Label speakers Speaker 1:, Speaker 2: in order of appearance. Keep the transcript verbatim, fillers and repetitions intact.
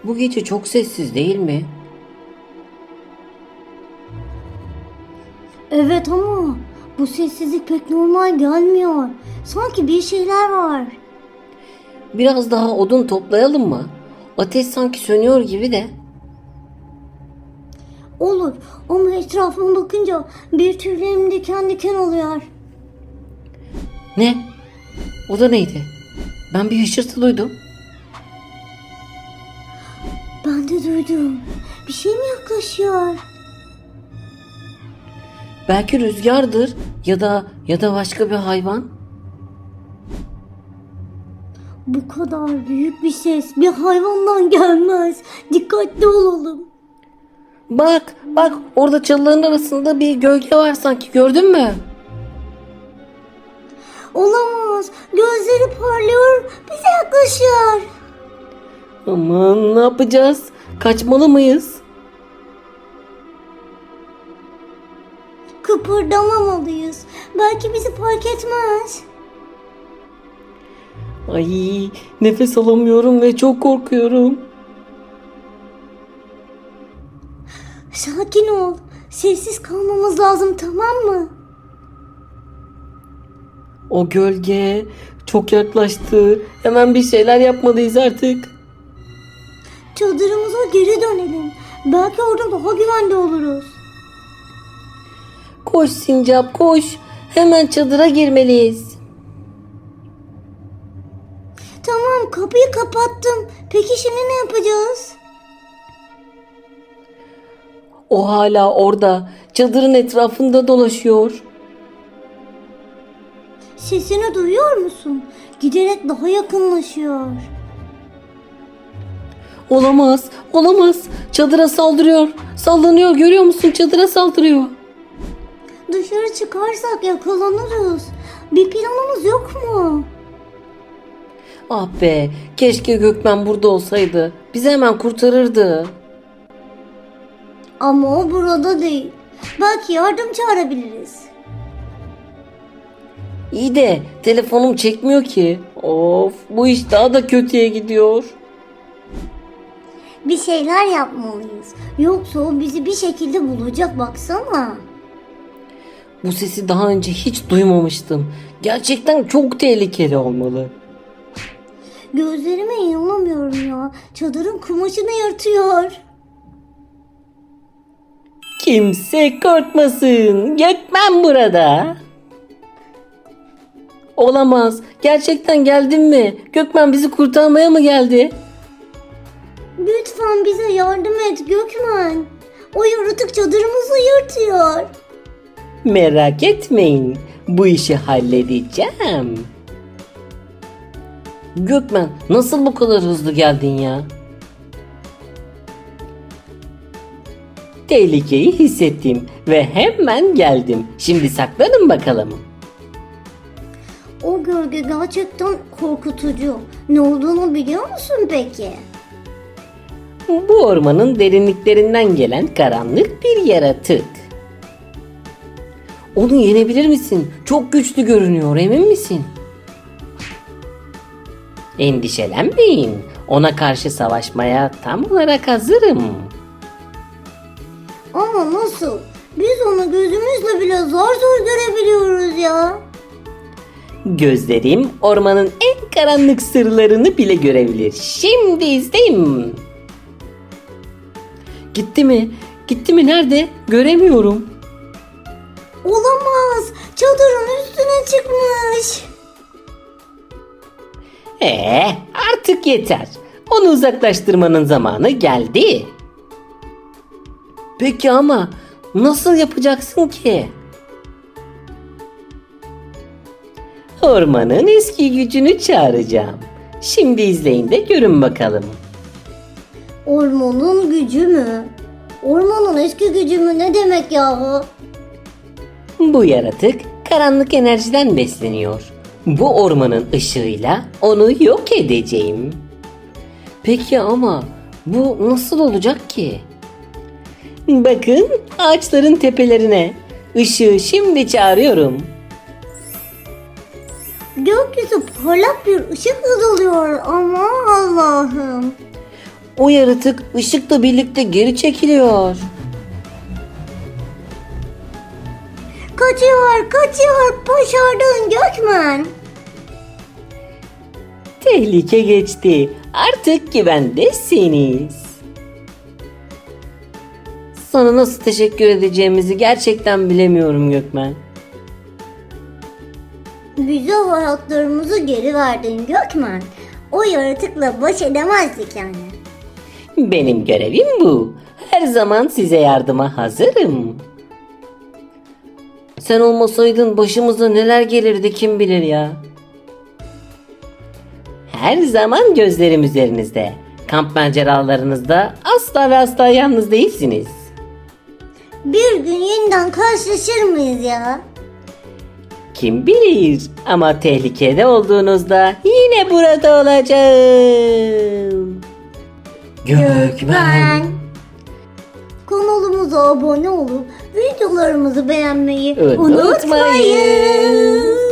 Speaker 1: Bu gece çok sessiz değil mi?
Speaker 2: Evet ama bu sessizlik pek normal gelmiyor. Sanki bir şeyler var.
Speaker 1: Biraz daha odun toplayalım mı? Ateş sanki sönüyor gibi de.
Speaker 2: Olur ama etrafıma bakınca bir tüylerim diken diken oluyor.
Speaker 1: Ne? O da neydi? Ben bir hışırtı duydum.
Speaker 2: Ben de duydum. Bir şey mi yaklaşıyor?
Speaker 1: Belki rüzgardır ya da ya da başka bir hayvan.
Speaker 2: Bu kadar büyük bir ses bir hayvandan gelmez. Dikkatli olalım.
Speaker 1: Bak, bak orada çalıların arasında bir gölge var sanki, gördün mü?
Speaker 2: Olamaz. Gözleri parlıyor. Bize yaklaşıyor.
Speaker 1: Aman ne yapacağız? Kaçmalı mıyız?
Speaker 2: Kıpırdamamalıyız. Belki bizi fark etmez.
Speaker 1: Ay nefes alamıyorum ve çok korkuyorum.
Speaker 2: Sakin ol. Sessiz kalmamız lazım, tamam mı?
Speaker 1: O gölge çok yaklaştı. Hemen bir şeyler yapmalıyız artık.
Speaker 2: Çadırımıza geri dönelim. Belki orada daha güvende oluruz.
Speaker 1: Koş sincap koş. Hemen çadıra girmeliyiz.
Speaker 2: Tamam, kapıyı kapattım. Peki şimdi ne yapacağız?
Speaker 1: O hala orada. Çadırın etrafında dolaşıyor.
Speaker 2: Sesini duyuyor musun? Giderek daha yakınlaşıyor.
Speaker 1: Olamaz, olamaz. Çadıra saldırıyor. Sallanıyor, görüyor musun? Çadıra saldırıyor.
Speaker 2: Dışarı çıkarsak yakalanırız. Bir planımız yok mu?
Speaker 1: Ah be, keşke Gökmen burada olsaydı. Bizi hemen kurtarırdı.
Speaker 2: Ama o burada değil. Belki yardım çağırabiliriz.
Speaker 1: İyi de telefonum çekmiyor ki. Of, bu iş daha da kötüye gidiyor.
Speaker 2: Bir şeyler yapmalıyız. Yoksa o bizi bir şekilde bulacak, baksana.
Speaker 1: Bu sesi daha önce hiç duymamıştım. Gerçekten çok tehlikeli olmalı.
Speaker 2: Gözlerime inanamıyorum ya. Çadırın kumaşını yırtıyor.
Speaker 1: Kimse korkmasın. Gökmen burada. Olamaz. Gerçekten geldin mi? Gökmen bizi kurtarmaya mı geldi?
Speaker 2: Lütfen bize yardım et Gökmen. O yaratık çadırımızı yırtıyor.
Speaker 1: Merak etmeyin. Bu işi halledeceğim. Gökmen nasıl bu kadar hızlı geldin ya? Tehlikeyi hissettim ve hemen geldim. Şimdi saklanın bakalım.
Speaker 2: O gölge gerçekten korkutucu. Ne olduğunu biliyor musun peki?
Speaker 1: Bu ormanın derinliklerinden gelen karanlık bir yaratık. Onu yenebilir misin? Çok güçlü görünüyor, emin misin? Endişelenmeyin. Ona karşı savaşmaya tam olarak hazırım.
Speaker 2: Ama nasıl? Biz onu gözümüzle bile zor zor görebiliyoruz ya.
Speaker 1: Gözlerim ormanın en karanlık sırlarını bile görebilir. Şimdi izleyin. Gitti mi? Gitti mi? Nerede? Göremiyorum.
Speaker 2: Olamaz. Çadırın üstüne çıkmış.
Speaker 1: Ee, artık yeter. Onu uzaklaştırmanın zamanı geldi. Peki ama nasıl yapacaksın ki? Ormanın eski gücünü çağıracağım. Şimdi izleyin de görün bakalım.
Speaker 2: Ormanın gücü mü? Ormanın eski gücü mü ne demek yahu?
Speaker 1: Bu yaratık karanlık enerjiden besleniyor. Bu ormanın ışığıyla onu yok edeceğim. Peki ama bu nasıl olacak ki? Bakın ağaçların tepelerine. Işığı şimdi çağırıyorum.
Speaker 2: Gökyüzü parlak bir ışık oluyor ama Allah'ım.
Speaker 1: O yaratık ışıkla birlikte geri çekiliyor.
Speaker 2: Kaçıyor, kaçıyor. Başardın Gökmen.
Speaker 1: Tehlike geçti. Artık güvendesiniz. Sana nasıl teşekkür edeceğimizi gerçekten bilemiyorum Gökmen.
Speaker 2: Bize hayatlarımızı geri verdin Gökmen. O yaratıkla baş edemezdik yani.
Speaker 1: Benim görevim bu. Her zaman size yardıma hazırım. Sen olmasaydın başımıza neler gelirdi kim bilir ya. Her zaman gözlerim üzerinizde. Kamp maceralarınızda asla ve asla yalnız değilsiniz.
Speaker 2: Bir gün yeniden karşılaşır mıyız ya?
Speaker 1: Kim bilir ama tehlikede olduğunuzda yine burada olacağım. Gökmen.
Speaker 2: Kanalımıza abone olup videolarımızı beğenmeyi
Speaker 1: Unutmayın.
Speaker 2: unutmayın.